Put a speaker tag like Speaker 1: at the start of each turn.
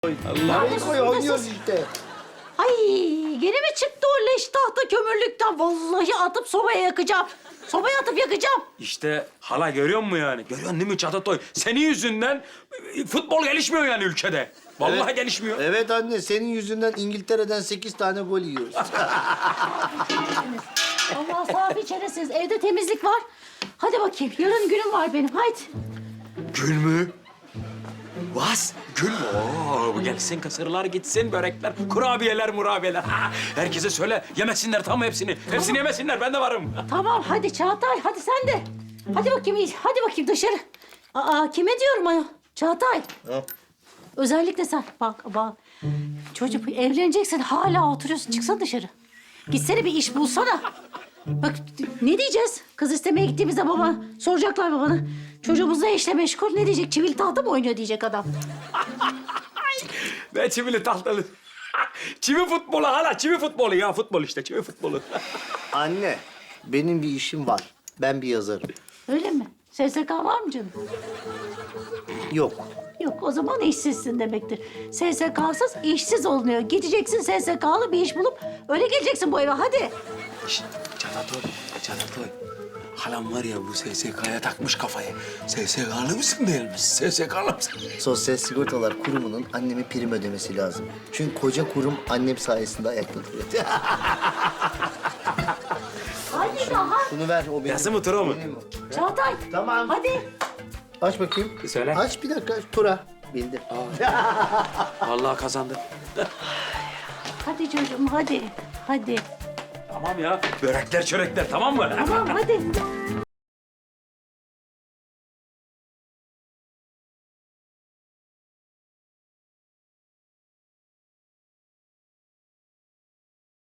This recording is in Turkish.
Speaker 1: toy.
Speaker 2: Allah.
Speaker 1: Toy oynuyoruz işte.
Speaker 3: Ay gene mi çıktı o leş tahta kömürlükten? Vallahi atıp sobaya yakacağım. Sobaya atıp yakacağım.
Speaker 2: İşte hala görüyor musun yani? Görüyorsun değil mi Çatatoy? Senin yüzünden futbol gelişmiyor yani ülkede. Vallahi
Speaker 1: Evet.
Speaker 2: gelişmiyor.
Speaker 1: Evet anne, senin yüzünden İngiltere'den 8 tane gol yiyoruz.
Speaker 3: Allah safi çaresiz. Evde temizlik var. Hadi bakayım. Yarın günüm var benim. Haydi.
Speaker 2: Gül mü? Was? Gül mü? Oo, gelsin kısırlar gitsin, börekler, kurabiyeler, murabiyeler. Ha, herkese söyle, yemesinler tam hepsini. Hepsini yemesinler, ben de varım.
Speaker 3: Tamam hadi Çağatay. Hadi sen de. Hadi bakayım. Hadi bakayım dışarı. Aa kime diyorum ayol? Çağatay.
Speaker 1: Ha?
Speaker 3: Özellikle sen. Bak. Çocuk evleneceksin hala oturuyorsun. Çıksana dışarı. Gitsene bir iş bulsana. Bak ne diyeceğiz? Kız istemeye gittiğimizde baba soracaklar babana. Çocuğumuz ne işle meşgul? Ne diyecek? Çivili tahta mı oynuyor diyecek adam.
Speaker 2: Ne çivili tahtalı. Çivi futbolu hala, çivi futbolu ya. Futbol işte, çivi futbolu.
Speaker 1: Anne, benim bir işim var. Ben bir yazarım.
Speaker 3: Öyle mi? SSK var mı canım?
Speaker 1: Yok.
Speaker 3: Yok o zaman işsizsin demektir. SSK'sız işsiz olunuyor. Gideceksin SSK'lı bir iş bulup öyle geleceksin bu eve hadi.
Speaker 2: Şişt, Çatatoy. Halam var ya bu SSK'ya takmış kafayı. SSK'lı mısın değil misin? SSK'lı mısın?
Speaker 1: Sosyal Sigortalar Kurumu'nun anneme prim ödemesi lazım. Çünkü koca kurum annem sayesinde ayakta duruyor.
Speaker 3: Hadi daha.
Speaker 1: Bunu ver, o benim.
Speaker 2: Yazı mı, tura mı?
Speaker 1: Benim o.
Speaker 3: Çağatay.
Speaker 1: Tamam.
Speaker 3: Hadi.
Speaker 1: Aç bakayım.
Speaker 2: Söyle.
Speaker 1: Aç bir dakika. Tura. Bildim.
Speaker 2: Vallahi kazandı.
Speaker 3: Hadi çocuğum hadi. Hadi.
Speaker 2: Tamam ya, börekler çörekler tamam mı?
Speaker 3: Tamam hadi.